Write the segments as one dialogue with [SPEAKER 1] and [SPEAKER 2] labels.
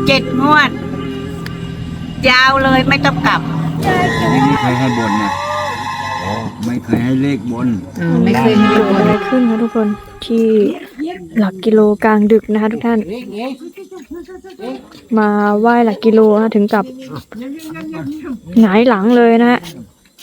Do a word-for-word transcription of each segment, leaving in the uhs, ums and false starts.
[SPEAKER 1] เจ็ดงวดยาวเลยไม่ต้องกลับ
[SPEAKER 2] ไม่เคยให้บนนะไม่เคยให้เลขบน
[SPEAKER 3] ไม่เคยมีอะไรขึ้นนะทุกคนที่หลักกิโลกลางดึกนะคะทุกท่านมาไหว้หลักกิโลนะถึงกับหงายหลังเลยนะฮะ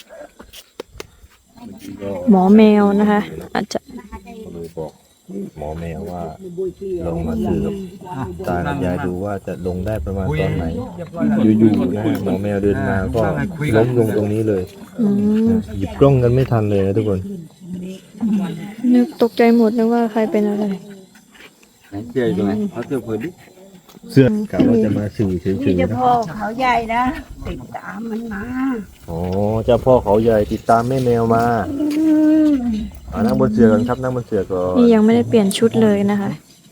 [SPEAKER 3] หมอแมวนะคะอาจจะ
[SPEAKER 4] เลยบอกหมอแมวว่าลองมาซื้อกับตากับยายดูว่าจะลงได้ประมาณตอนไหนอยู่ๆนะหมอแมวเดินมาก็ล้มลงตรงนี้เลยหยิบกล้องกันไม่ทันเลยนะทุกคน
[SPEAKER 3] นึกตกใจหมดนึกว่าใครเป็นอะไร
[SPEAKER 2] เสื้อตรงไหนเขาเสื้อเพิ่นดิ
[SPEAKER 4] เสื้อกะว่าจะมาสื่อเฉยๆ
[SPEAKER 1] นะพ่อเขาใหญ่นะติดตามมันมา
[SPEAKER 4] อ๋อเจ้าพ่อเขาใหญ่ติดตามแม่แมวมานั่งบนเสื่อกันครับนั่งบนเสื่อก่อน
[SPEAKER 3] นี่ยังไม่ได้เปลี่ยนชุดเลยนะคะ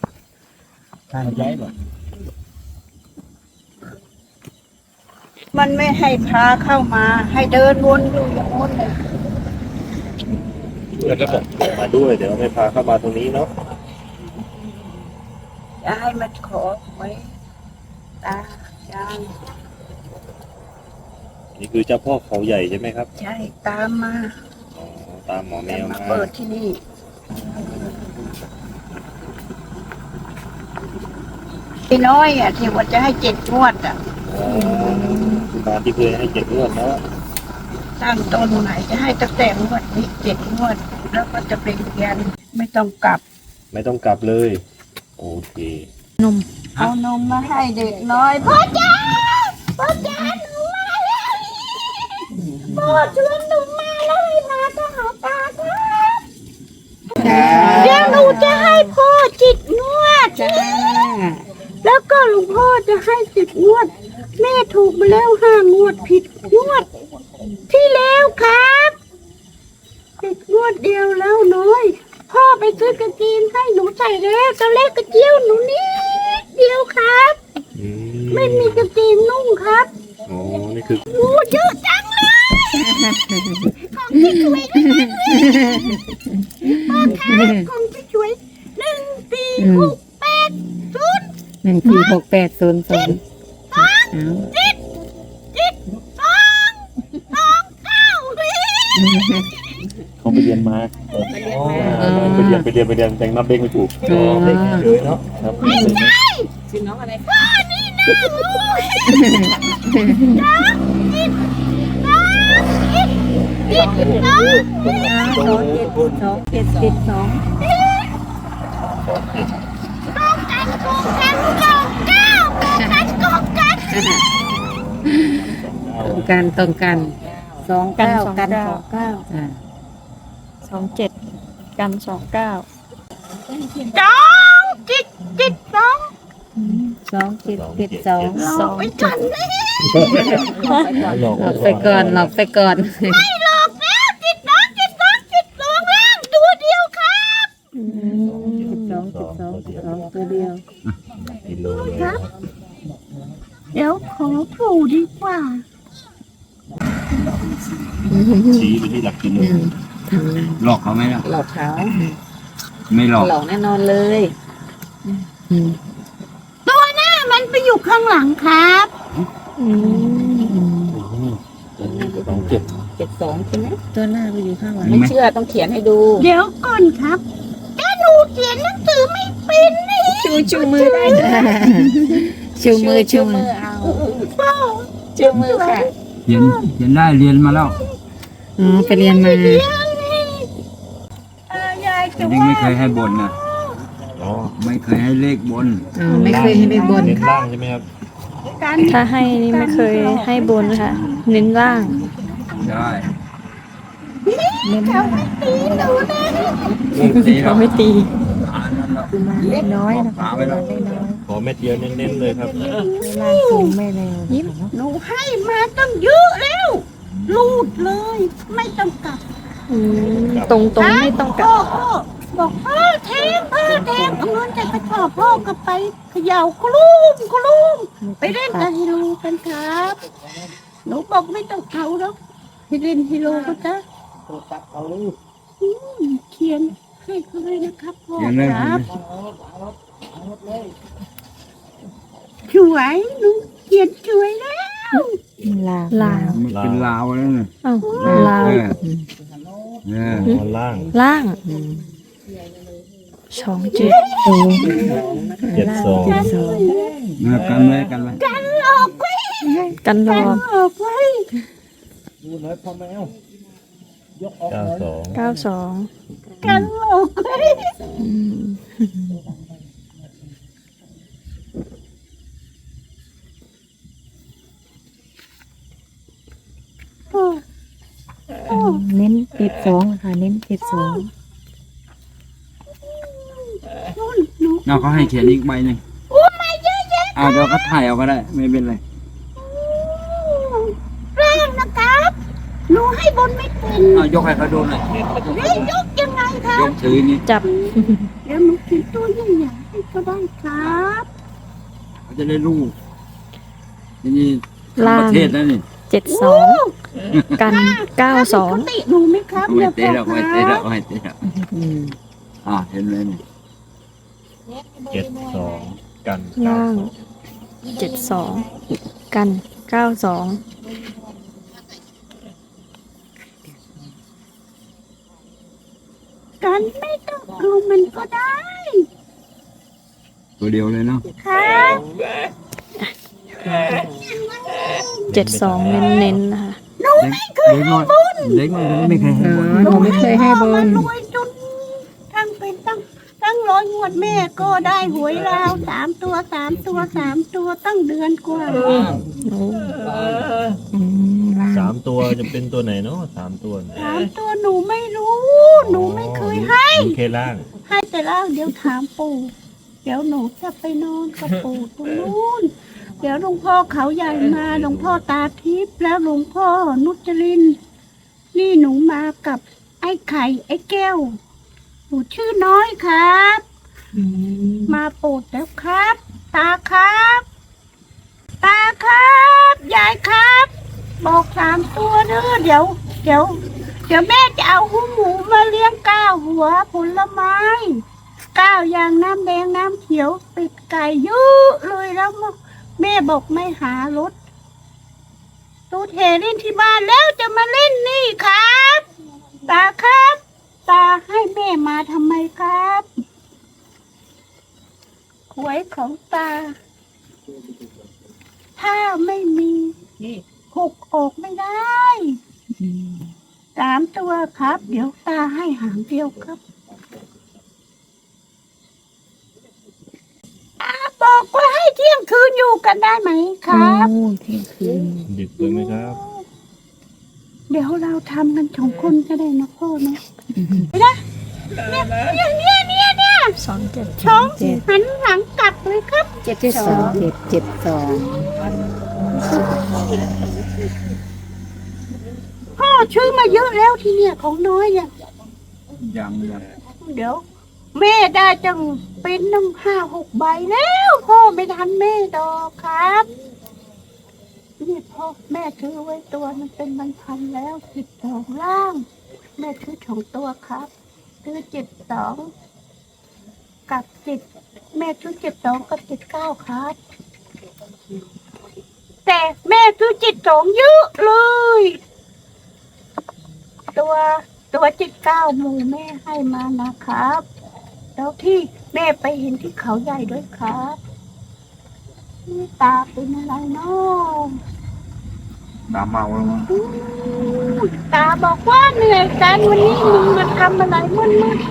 [SPEAKER 1] มันไม่ให้พาเข้ามาให้เดินวนอยู่อย่างนู้นเลย
[SPEAKER 4] แล้วก็บอกมาด้วยเดี๋ยวไม่พาเข้ามาตรงนี้เนาะ
[SPEAKER 1] จะให้มันขอไว้ตาจาง
[SPEAKER 4] นี่คือเจ้าพ่อเขาใหญ่ใช่ไหมครับ
[SPEAKER 1] ใช่ตามมา
[SPEAKER 4] อ๋อตามหมอแมวมา
[SPEAKER 1] เปิดที่นี่พี่น้อยอ่ะที่ว่าจะให้เจ็ดงวดอ่ะ
[SPEAKER 4] คุณตาที่เคยให้เจ็ดงวดแล้ว
[SPEAKER 1] ตั้งต้นไหนจะให้ตั้งแต่งวดนี้เจ็ดงวดแล้วก็จะเป็นเรียนไม่ต้องกลับ
[SPEAKER 4] ไม่ต้องกลับเลยโอเคน
[SPEAKER 3] ม
[SPEAKER 1] เอานมมาให้เด็กน้อยพ่อจ๋าพ่อจ๋าหนูมาแล้วพ่อชวนหนูมาแล้วให้มาก็หาตาครับเดี๋ยวหนูจะให้พ่อจิตงวดแล้วก็หลวงพ่อจะให้จิตงวดแม่ถูกมาแล้วห้างวดผิดงวดที่แล้วครับผิดงวดเดียวแล้วน้อยพ่อไปซื้อกางเกงให้หนูใส่แล้วตอนแรกกระเจียวหนูนิดเดียวครับไม่มีกางเกงนุ่งครับ
[SPEAKER 4] โอ้นี่คือ
[SPEAKER 1] โอ้เยอะจังเลยของพี่ช่วยพ่อครับของพี่ช่วยหนึ่งสี่หกแปดศูนย์
[SPEAKER 5] หนึ่งสี่หกแปดศูนย์ศูนย์
[SPEAKER 1] สองจิตจิตสองสองเก้า
[SPEAKER 4] เขาไปเรียนมาไปเรียนไปเรียนไปเรียนแต่งนับเลขไม่ถูกเลขเยอะเนาะ
[SPEAKER 1] ไม่ใช่ชื่อน้องอะไรพ่อนี่นะลูกน้องจิตน้องจิตจิตน้อง
[SPEAKER 5] สองเจ็ดสองเจ็ดสิบสอง
[SPEAKER 1] ตรงกันตรงกันตรงเก้าตรงกันตรงกัน
[SPEAKER 5] ตรงกันตรงกันสองเก้ากันสองเก้า
[SPEAKER 3] สองเจ็ดกันสองเก้า
[SPEAKER 1] สองจิตจิตสอง
[SPEAKER 5] สองเจ็ดเจ็ดสอง
[SPEAKER 1] สองไปจัน
[SPEAKER 5] หลอกไปก่อนหลอกไปก่อน
[SPEAKER 1] ไม่หลอกแล้วจิตน้องจิตสองจิตสองล่างตัวเดียวครับ
[SPEAKER 5] จิตสองจิตสองจิตสองตัวเดียว
[SPEAKER 4] กิโล
[SPEAKER 1] ครับเดี๋ยวขอปู่ดีกว่า
[SPEAKER 4] ชี้ไปที่หลักกิโล
[SPEAKER 2] หลอกเขาไหมล่ะ
[SPEAKER 5] หลอกเขา
[SPEAKER 2] ไม่หลอก
[SPEAKER 5] หลอกแน่นอนเลย
[SPEAKER 1] ตัวหน้ามันไปอยู่ข้างหลังครับ
[SPEAKER 4] สองเจ็ด
[SPEAKER 5] เจ็ดสองใช่ไหมตัวหน้าไปอยู่ข้างหลังไม่เชื่อต้องเขียนให้ดู
[SPEAKER 1] เดี๋ยวก่อนครับถ้าหนูเขียนหนังสือไม่เป็นนี่
[SPEAKER 5] ชูชูมือได้ชูมือชูมือเอาชูมือค่ะ
[SPEAKER 2] เรียนเรียนได้เรียนมาแล้ว
[SPEAKER 5] อ๋อไปเรียนมา
[SPEAKER 2] ยังไม่เคยให้บนนะไม่เคยให้เลขบน
[SPEAKER 5] อ๋อไม่เคยให้เลขบน
[SPEAKER 4] เน้นล่างใช่ไหมครับ
[SPEAKER 3] ถ้าให้นี่ไม่เคยให้บนค่ะเน้นล่าง
[SPEAKER 2] ได้
[SPEAKER 1] เขาไม่ตีหนูนะ
[SPEAKER 3] เขาไม่ตี
[SPEAKER 5] เล็กน้อยนะคะเล็กน้อย
[SPEAKER 4] ขอเม็ดเดียวเน้นๆเลยครับ
[SPEAKER 5] ล่างสูงไม่เร็ว
[SPEAKER 1] ยิ้มหนูให้มาตั้งเยอะแล้วลูดเลยไม่ต้องกลับ
[SPEAKER 3] ตรงตรงไม่ต้องกลับ
[SPEAKER 1] บอกพ่อแทงพ่อแทงเอาเงินจากกระสอบพ่อก็ไปเขย่าคลุ้มคลุ้มไปเล่นกับฮิโร่กันครับหนูบอกไม่ต้องเอาแล้วไปเล่นฮิโร่ก็จะเขียนให้เขาเลยนะครับพ่อครับสวยหนูเขียนสวยแล้ว
[SPEAKER 5] ลาว
[SPEAKER 3] ลาว
[SPEAKER 2] มันเป็นลาวแล้วเนี่ย
[SPEAKER 3] เอ้าลาว
[SPEAKER 2] เออเออ
[SPEAKER 4] ตอนล่าง
[SPEAKER 3] ล่างสองเจ็ด
[SPEAKER 4] เจ็ดสอง
[SPEAKER 5] เจ็ดสอง
[SPEAKER 2] เออกันไว้กันไว้
[SPEAKER 1] กันหลอกไว้
[SPEAKER 3] กันร
[SPEAKER 1] กั
[SPEAKER 3] อน
[SPEAKER 1] หลอกไว้
[SPEAKER 4] เก้าสอง
[SPEAKER 3] เก้าสอง
[SPEAKER 1] กันหลอกไว้
[SPEAKER 3] อืม
[SPEAKER 1] โอ้
[SPEAKER 5] เน้นเจ็ดสองค่ะเน้นเจ็ดสอง
[SPEAKER 1] นู่นหนู
[SPEAKER 2] เอาเขาให้เขียนอีกใบหนึ่ง
[SPEAKER 1] โอ้มาเยอะแยะ
[SPEAKER 2] อ่าเดี๋ยวก็ถ่ายเอาก็ได้ ไม่เป็นไร
[SPEAKER 1] ร่างนะครับหนูให้บนไม่เป็น
[SPEAKER 2] เอายกให้เขาดูหน่อย
[SPEAKER 1] เรียกยกยังไงคะ
[SPEAKER 2] ยกถือนี่
[SPEAKER 3] จับ
[SPEAKER 1] เดี๋ยวหนูเขียนตัวใหญ่ๆให้ก็ได้ครับ
[SPEAKER 2] เขาจะได้รู้ทีนี้
[SPEAKER 3] ล่าง
[SPEAKER 2] ประเทศแล้วนี่
[SPEAKER 3] เจ็ดสองกันเก้าสอง
[SPEAKER 1] ปกติหนูไหมครับ
[SPEAKER 2] ไม่
[SPEAKER 1] ดี๋ยว
[SPEAKER 2] เตะหรอก
[SPEAKER 1] พ่อ
[SPEAKER 2] ไม่
[SPEAKER 1] ค
[SPEAKER 2] เตะหร
[SPEAKER 1] รั
[SPEAKER 2] อบ กไม่เตะหรอกอ่าเห็นไหมนี่
[SPEAKER 4] เจ็ดสองกันเก้า
[SPEAKER 3] ล่าง
[SPEAKER 4] สอง
[SPEAKER 3] เจ็ดสองกันเก้าสอง
[SPEAKER 1] กันไม่ต้องเอามันก็ได้
[SPEAKER 2] ตัวเดียวเลยเนาะ
[SPEAKER 1] ครับ
[SPEAKER 3] เจ็ดสองเน้นๆนะคะ
[SPEAKER 1] หนูไม่เคย
[SPEAKER 2] เล็กน้อยเล็กน้อยไม่เคยให้บน
[SPEAKER 5] หนูไม่เคยให้บ
[SPEAKER 1] มาน รวยจนทั้งเป็นตั้งตั้งร้อยงวดแม่ก็ได้หวยราวสามตัวสามตัวสามตัวตั้งเดือนกว่า
[SPEAKER 3] โอ้
[SPEAKER 5] อืมล่าง
[SPEAKER 4] สามตัวจะเป็นตัวไหนเนาะสามตัวเนี่ย
[SPEAKER 1] สามตัวหนูไม่รู้ หนูไม่เคยให้
[SPEAKER 4] มีแค่ล่าง
[SPEAKER 1] ให้แต่ล่างเดี๋ยวถามปู่ เดี๋ยวหนูจะไปนอนกับปู่ตรงนู้น เดี๋ยวหลวงพ่อเขาใหญ่มาหลวงพ่อตาทิพย์แล้วหลวงพ่อนุจรินทร์นี่หนูมากับไอ้ไข่ไอ้แก้วหนูชื่อน้อยครับ
[SPEAKER 5] อืม
[SPEAKER 1] มาโปรดแล้วครับ ตาครับ ตาครับยายครับ บอกสามตัวเด้อเดี๋ยว เดี๋ยว เดี๋ยวแม่จะเอาหูหมูมาเลี้ยงก้าวหัวผลไม้ก้าวอย่างน้ำแดงน้ำเขียวปิดไก่เยอะเลยแล้วแม่บอกไม่หารถตูเทเล่นที่บ้านแล้วจะมาเล่นนี่ครับ ตาครับ ตาให้แม่มาทำไมครับหวยของตา ถ้าไม่มีหกออกไม่ได้
[SPEAKER 5] อืม
[SPEAKER 1] สามตัวครับ เดี๋ยวตาให้หางเดียวครับอาบอกว่าให้เที่ยงคืนอยู่กันได้ไหมครับ
[SPEAKER 5] โอ้เที่ยงคืน
[SPEAKER 4] ดึกไปไหมครับ
[SPEAKER 1] เดี๋ยวเราทำกันสองคนก็ได้นะพ่อเนาะเนี่ยเนี่ยเนี่ยเนี่ยเนี่ย
[SPEAKER 3] สองเจ็ด
[SPEAKER 1] ช้องหันหลังกลับเลยครับ
[SPEAKER 5] เจ็ดสองเจ็ดเจ็ดสอง
[SPEAKER 1] พ่อชื่อมาเยอะแล้วทีเนี่ยของน้อยเนี่ย
[SPEAKER 2] ยังยัง
[SPEAKER 1] เดี๋ยว แม่ได้จังเป็นตั้งห้าหกใบแล้วพ่อไม่ทันแม่ดอกครับนี่พ่อแม่ถือไว้ตัวมันเป็นมันพันแล้วสิบสองล่าง แม่ถือสองตัวครับถือเจ็ดสองกับเจ็ดแม่ถือเจ็ดสองกับเจ็ดเก้าครับ แต่แม่ถือเจ็ดสองเยอะเลย ตัวตัวเจ็ดเก้าหมูแม่ให้มานะครับ แล้วที่แม่ไปเห็นที่เขาใหญ่ด้วยครับนี่ตาเป็นอะไรเนาะ
[SPEAKER 2] ตาเมาแล้วมั้ง
[SPEAKER 1] อู้ตาบอกว่าเหนื่อยกันวันนี้มึงมาทำอะไรมึนมึน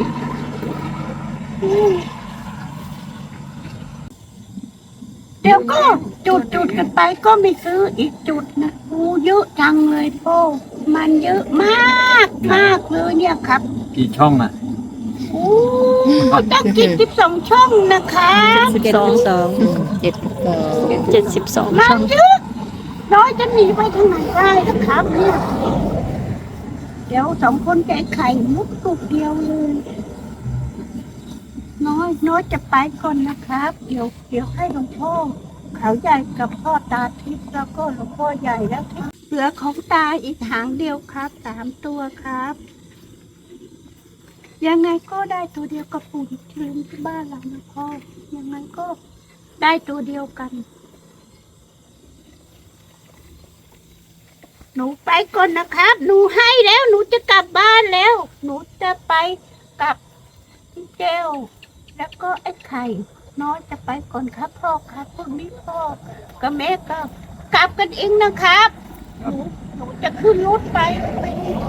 [SPEAKER 1] เดี๋ยวก็จุดจุดกันไปก็ไม่ซื้ออีกจุดนะโอ้เยอะจังเลยพ่อมันเยอะมากมากเลยเนี่ยครับ
[SPEAKER 2] กี่ช่องอ่ะ
[SPEAKER 1] โอ้ตั้งกี่สิบสองช่องนะคะ
[SPEAKER 3] สิบ
[SPEAKER 5] เจ็ด
[SPEAKER 3] สอง
[SPEAKER 5] สองเจ็ดสอง
[SPEAKER 3] เจ็ดสิบสอง
[SPEAKER 1] มั
[SPEAKER 3] ช่
[SPEAKER 1] น
[SPEAKER 3] อง
[SPEAKER 1] เยอะน้อยจะหนีไปทางไหนได้นะครับเนี่ยเดี๋ยวสองคนแกไข่มุกตุกเดียวเลย น้อยน้อยจะไปก่อนนะครับ เดี๋ยวเดี๋ยวให้หลวงพ่อเขาใหญ่กับพ่อตาทิพย์แล้วก็หลวงพ่อใหญ่แล้วเหลือของตาอีกหางเดียวครับสามตัวครับ ยังไงก็ได้ตัวเดียวกับปู่ที่ลืมที่บ้านเรานะพ่อยังไงก็ได้ตัวเดียวกันหนูไปก่อนนะครับ หนูให้แล้ว หนูจะกลับบ้านแล้ว หนูจะไปกับพี่เจลแล้วก็ไอ้ไข่น้อยจะไปก่อนครับพ่อครับพรุ่งนี้พ่อกับแม่ก็กลับกันเองนะครับหนูหนูจะขึ้นรถไปไป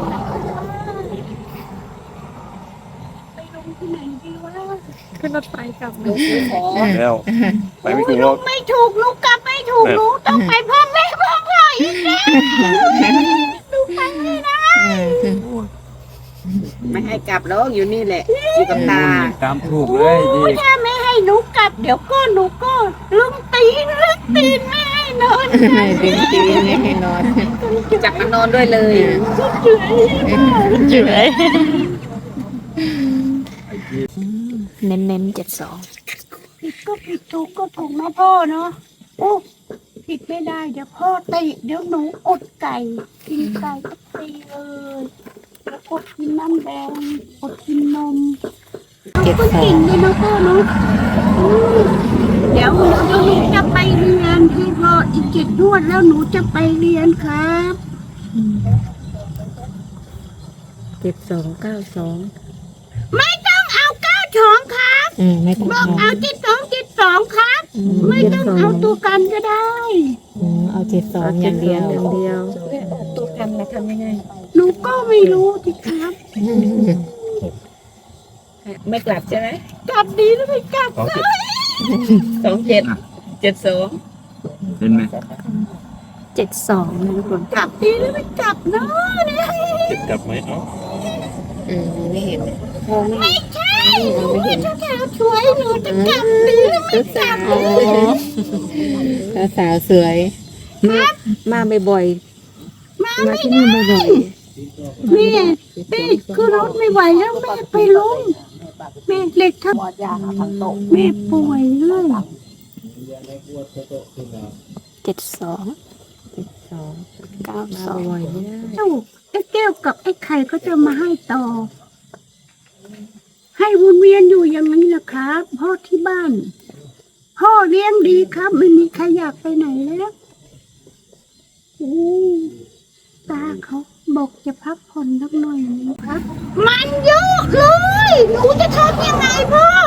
[SPEAKER 1] ไปลงที่ไหนดีวะ
[SPEAKER 3] ขึ้นรถไฟกลับ
[SPEAKER 4] แล้วไปไม่ถูกหร
[SPEAKER 1] ลู
[SPEAKER 4] อก
[SPEAKER 1] กไม่ถูกลูกกลับไม่ถูกลูกต้องไปพ่อแม่พ่อพ่ออีกแล้วลูกไปไม่ได้
[SPEAKER 5] ไม่ให้กลับแล้วอยู่นี่แหละ อยู่กับตา
[SPEAKER 2] ตามถูกเลยดี
[SPEAKER 1] ถ้าไม่ให้หนูกลับเดี๋ยวก็หนูก็ลุงตีนลุงตีนไม่ให้นอน
[SPEAKER 5] ดึงตีนให้นอน จับมานอนด้วยเลย
[SPEAKER 3] เฉยเน้นเน้นเจ็ดสอง
[SPEAKER 1] ผิดก็ผิดถูกก็ถูกนะพ่อเนาะโอ้ผิดไม่ได้เดี๋ยวพ่อตีเดี๋ยวหนูอดไก่กินไก่ก็ตีเลยแล้วอดกินน้ำแดงอดกินนม
[SPEAKER 5] เจ็ด
[SPEAKER 1] ก็
[SPEAKER 5] สอ
[SPEAKER 1] เก่
[SPEAKER 5] ง
[SPEAKER 1] งเลยนะพ่อเนาะอืมเดี๋ยวเดี๋ยวหนูจะไปเรียนให้พ่ออีกเจ็ดนวดแล้วหนูจะไปเรียนครับ
[SPEAKER 5] เจ็ดสองเก้าสอง
[SPEAKER 1] ไม่ต้องเอาเก้าสองครับ
[SPEAKER 5] อืมไม่ต้อง
[SPEAKER 1] บอก
[SPEAKER 5] เอา
[SPEAKER 1] เอาเจ็ดสองเจ็ดสองครับ
[SPEAKER 5] อืม
[SPEAKER 1] ไม่
[SPEAKER 5] เจ็ด
[SPEAKER 1] ต้อง
[SPEAKER 5] สอง
[SPEAKER 1] เอาตัวกันก็ได้
[SPEAKER 5] อืมเอาเจ็ดสองอย่างเดียว
[SPEAKER 3] อย่างเดียว
[SPEAKER 5] ตัวกันมาทำยังไง
[SPEAKER 1] หนูก็ไม่รู้สิครับ
[SPEAKER 5] ไม่กลับใช่ไหม
[SPEAKER 1] กลับดีหรือไม่กลับ
[SPEAKER 4] สองเจ็ด
[SPEAKER 5] สองเจ็ดเจ็ดสอง
[SPEAKER 2] เห็นไหม
[SPEAKER 3] เจ็ดสองนะทุกคน
[SPEAKER 1] กลับดีหรือไม่กลับเนาะเนี่ย
[SPEAKER 4] เจ็ดกลับไหมเอ้า
[SPEAKER 5] อืมไม่เห็นมองไม่
[SPEAKER 1] ไม่ใช่หนูเป็นเจ้าสาวสวยหนูจะกลับดีหรือไม่กลับ
[SPEAKER 5] สาวสาวสวยมาบ่อย
[SPEAKER 1] มา
[SPEAKER 5] ๆมา
[SPEAKER 1] ไม่
[SPEAKER 5] ที่นี่บ่อย
[SPEAKER 1] แม่แม่คือรถไม่ไหวแล้วแม่ไปลงแม่เหล็กทับแม่ป่วยเลย
[SPEAKER 3] เจ็ดสอง
[SPEAKER 5] ๆสอง
[SPEAKER 3] เก้า
[SPEAKER 5] มา
[SPEAKER 3] สอง
[SPEAKER 5] บ่อยไม่ได้
[SPEAKER 1] เจ้าไอ้แก้วกับไอ้ไข่ก็จะมาให้ต่อ ให้วนเวียนอยู่อย่างนี้แหละครับพ่อที่บ้าน พ่อเลี้ยงดีครับ ไม่มีใครอยากไปไหนแล้วโอ้ตาเขาบอกจะพักผ่อนสักหน่อยนึงครับ มันเยอะเลยหนูจะทำยังไงพ่อ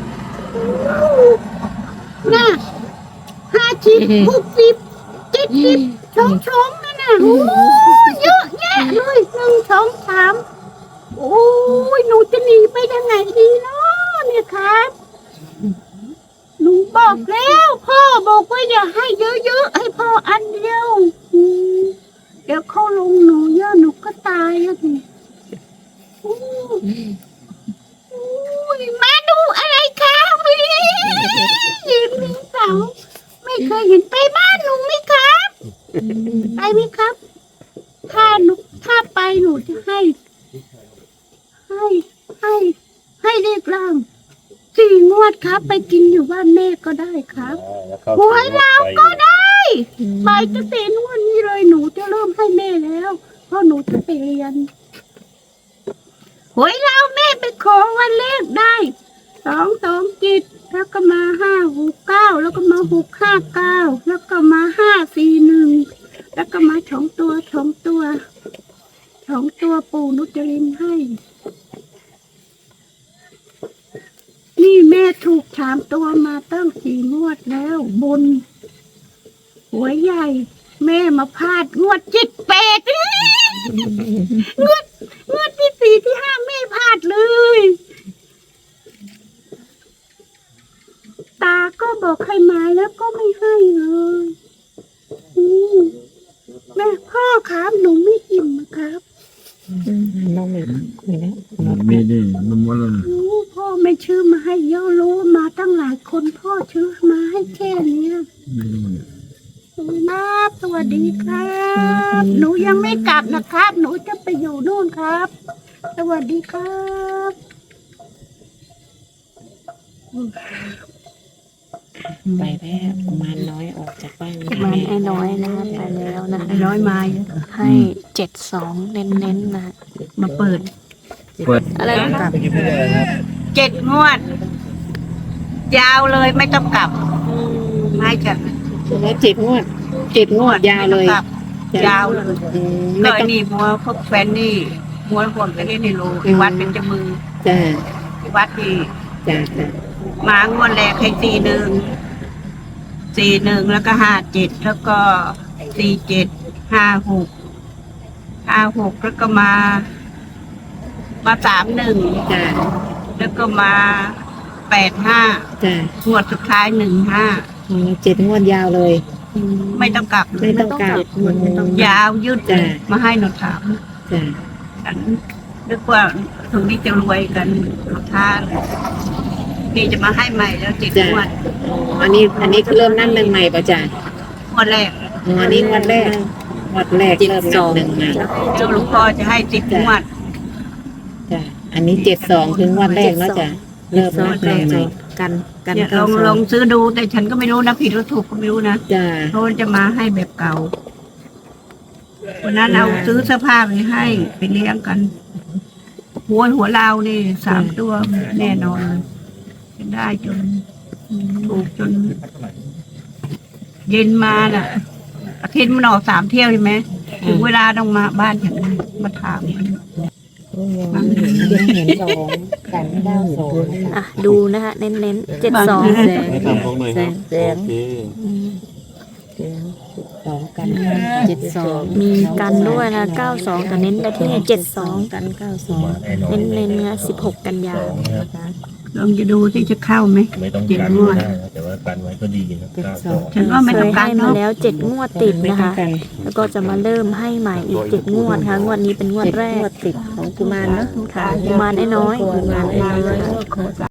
[SPEAKER 1] น่ะห้าสิบหกสิบเจ็ดสิบชงชงนั่นน่ะโอ้เยอะแยะเลยหนึ่งสองสามโอ้ยหนูจะหนีไปทางไหนดีเนาะเนี่ยครับ หนูบอกแล้ว พ่อบอกว่าอย่าให้เยอะๆให้พ่ออันเดียวอืมเดี๋ยวเขาลงหนูเยอะหนูก็ตายอ่ะสิอู้อู้ยมาดูอะไรครับยิ้มมีเสาไม่เคยเห็นไปบ้านหนูไหมครับ ไปไหมครับ ถ้าหนูถ้าไปหนูจะให้ ให้ให้ให้เลขล่างสี่งวดครับ ไปกินอยู่บ้านแม่ก็ได้ครับ หวยเราก็ได้ไปจะเป็นวันนี้เลยหนูจะเริ่มให้แม่แล้ว เพราะหนูจะไปเรียนหวยเราแม่ไปขอวันเลขได้สองสองจิตแล้วก็มาห้าหกเก้าแล้วก็มาหกห้าเก้าแล้วก็มาห้าสี่หนึ่งแล้วก็มาสองตัวสองตัวสองตัวปู่นุจรินให้ นี่แม่ถูกถามตัวมาตั้งสี่งวดแล้วบนหัวใหญ่ แม่มาพลาดงวดเจ็ดแปดงวดงวดที่สี่ที่ห้าแม่พลาดเลย ตาก็บอกให้มาแล้วก็ไม่ให้เลยอืมแม่พ่อครับหนูไม่อิ่มนะครับ
[SPEAKER 5] อืมน้องมีมีนะ
[SPEAKER 2] มีดิมันว่าเรา
[SPEAKER 1] โอ้พ่อไม่ชื่อมาให้เยอะรู้มาตั้งหลายคนพ่อชื่อมาให้แค่เนี้ย
[SPEAKER 2] ไม่รู้เนี่ย
[SPEAKER 1] ครับสวัสดีครับ หนูยังไม่กลับนะครับ หนูจะไปอยู่นู่นครับ สวัสดีครับ
[SPEAKER 5] ไปแล้วกุมารน้อยออกจากบ้าน
[SPEAKER 3] มันไอ้น้อยนะคะไปแล้วนะ
[SPEAKER 1] ร้อยไม้
[SPEAKER 3] ให้เจ็ดสองเน้นเน้นๆนะ
[SPEAKER 1] มาเปิด
[SPEAKER 2] เปิด
[SPEAKER 3] อะไรนะ
[SPEAKER 5] กลับ
[SPEAKER 1] เจ็ดงวด ยาวเลยไม่ต้องกลับไม่จ้ะ
[SPEAKER 5] แล้วเจ็ดงวดเจ็ดงวดยาวเลย
[SPEAKER 1] ไม่ต้องกบยาวเลย
[SPEAKER 5] อืม
[SPEAKER 1] ห
[SPEAKER 5] ไม่
[SPEAKER 1] น่อย
[SPEAKER 5] ต้อง
[SPEAKER 1] นี่มัวพวกแฟนนี่มัวคนก็เล่นในโรงที่วัดเป็นจมือ
[SPEAKER 5] จ้า
[SPEAKER 1] ที่วัดที่
[SPEAKER 5] จ้าจ้าม
[SPEAKER 1] างวดแรกให้สี่หนึ่งสี่หนึ่งแล้วก็ห้าเจ็ดแล้วก็สี่เจ็ดห้าหกห้าหกแล้วก็มา มาสามหนึ่ง
[SPEAKER 5] จ้า
[SPEAKER 1] แล้วก็มาแปดห้า
[SPEAKER 5] จ้าง
[SPEAKER 1] วดสุดท้ายหนึ่งห้า
[SPEAKER 5] อืมเจ็ดงวดยาวเลย
[SPEAKER 1] ไม่ต้องกลับ
[SPEAKER 5] ไม่ต้องกลับ
[SPEAKER 1] ยาวยืด
[SPEAKER 5] จ้ะ
[SPEAKER 1] มาให้หนูถาม
[SPEAKER 5] จ้า
[SPEAKER 1] ฉันนึกว่าถึงนี้จะรวยกันเขาท่านี่จะมาให้ใหม่แล้วเจ็ด
[SPEAKER 5] จ้าง
[SPEAKER 1] วด
[SPEAKER 5] อ๋ออันนี้อันนี้คือเริ่มนั่นหนึ่งใหม่ป่ะจ้าง
[SPEAKER 1] วดแรก
[SPEAKER 5] อ๋ออันนี้งวดแรกงวดแรกเริ่มนับหนึ่งใหม่
[SPEAKER 1] เจ้าหลวงพ่อจะให้สิบงวด
[SPEAKER 5] จ้าอันนี้เจ็ดสองถึงงวันแรกเนาะจ้าเริ่มนับหนึ่งใหม่
[SPEAKER 3] กันกัน
[SPEAKER 1] เนี่ยล
[SPEAKER 3] เก้า
[SPEAKER 1] อง
[SPEAKER 3] ส
[SPEAKER 1] ล
[SPEAKER 3] อ
[SPEAKER 1] อง งซื้อดูแต่ฉันก็ไม่รู้นะผิดหรือถูกก็ไม่รู้นะ
[SPEAKER 5] จ้า
[SPEAKER 1] เพราะว่าจะมาให้แบบเก่าวันนั้นเอาซื้อเสื้อผ้าไปให้ไปเลี้ยงกัน หัวหัวเรานี่สามตัวแน่นอนเลยจะได้จนถูกจน เย็นมาน่ะอาทิตย์มันออกสามเที่ยวใช่ไหมถึงเวลาต้องมาบ้านฉันมาถามมัน
[SPEAKER 5] ยังเห็นสองกันเก้าสอง
[SPEAKER 3] อ่ะดูนะคะเน้นเน้นเจ็ดสอง
[SPEAKER 5] แสง
[SPEAKER 4] ให้ทำพวกหน่อยครับ
[SPEAKER 5] แสง
[SPEAKER 4] โอเค
[SPEAKER 5] สองกันเจ็ดสอง
[SPEAKER 3] มีกันด้วยนะเก้าสองแต่เน้นไปที่เจ็ดสอง
[SPEAKER 5] กันเก้าสอง
[SPEAKER 3] เน้นเน้นนะสิบหกกันยา
[SPEAKER 1] ลองจะดูที่จะเข้าไหม
[SPEAKER 4] ไม่ต้อง
[SPEAKER 1] เจ็ด
[SPEAKER 4] กัน
[SPEAKER 1] งวด
[SPEAKER 4] ได้นะแต่ว่ากันไว้ก็ดีนะ
[SPEAKER 5] เจ็ด
[SPEAKER 4] เก้า
[SPEAKER 5] ส
[SPEAKER 4] ส
[SPEAKER 5] อ
[SPEAKER 4] อง ง
[SPEAKER 1] ฉันว่าไม่
[SPEAKER 3] เค
[SPEAKER 1] ต้อง
[SPEAKER 3] ย
[SPEAKER 1] กา
[SPEAKER 3] ให้
[SPEAKER 1] ร
[SPEAKER 3] มา
[SPEAKER 1] เนาะ
[SPEAKER 3] แล้วเจ็ดงวดติด
[SPEAKER 5] ไม่
[SPEAKER 3] นะ
[SPEAKER 5] ต้อง
[SPEAKER 3] คะ
[SPEAKER 5] กัน
[SPEAKER 3] แล้วก็จะมาเริ่มให้ใหม่อีกเจ็ดงวดค่ะงวดนี้เป็นงวด
[SPEAKER 5] เจ็ด
[SPEAKER 3] แรง ก
[SPEAKER 5] วดติดของกุมารเนาะ
[SPEAKER 3] ค่ะกุมารน้อยๆ
[SPEAKER 5] กุมารน้อยๆ